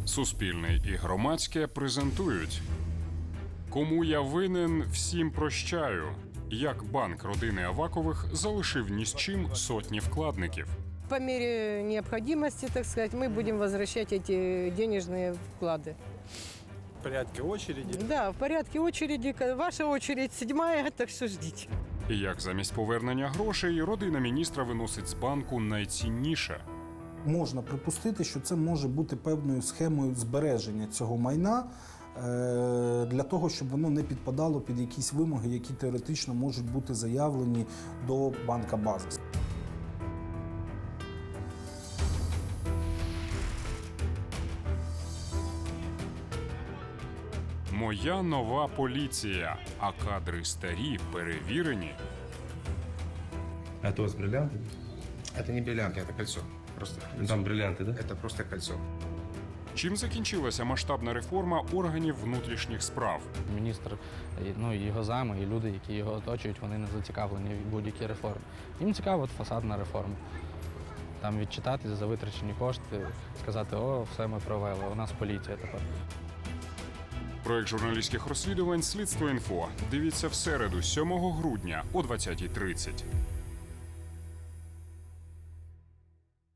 Суспільне і громадське презентують. Кому я винен, всім прощаю. Як банк родини Авакових залишив ні з чим сотні вкладників. По мере необходимости, так сказать, мы будем возвращать эти денежные вклады. В порядке очереди. Да, в порядке очереди. Ваша очередь 7-я, так что ждите. І як замість повернення грошей родина міністра виносить з банку найцінніше. Можна припустити, що це може бути певною схемою збереження цього майна для того, щоб воно не підпадало під якісь вимоги, які теоретично можуть бути заявлені до банка Базис. Моя нова поліція, а кадри старі, перевірені. Это у вас бриллианты? Это не бриллианты, это кольцо. Просто кольцо. Там бриллианты, да? Это просто кольцо. Чим закінчилася масштабна реформа органів внутрішніх справ? Міністр, і його зами, і люди, які його оточують, вони не зацікавлені в будь-якій реформі. Їм цікава от фасадна реформа. Там відчитатися за витрачені кошти, сказати, о, все ми провели, у нас поліція тепер. Проект журналістських розслідувань «Слідство інфо». Дивіться в середу, 7 грудня о 20:30.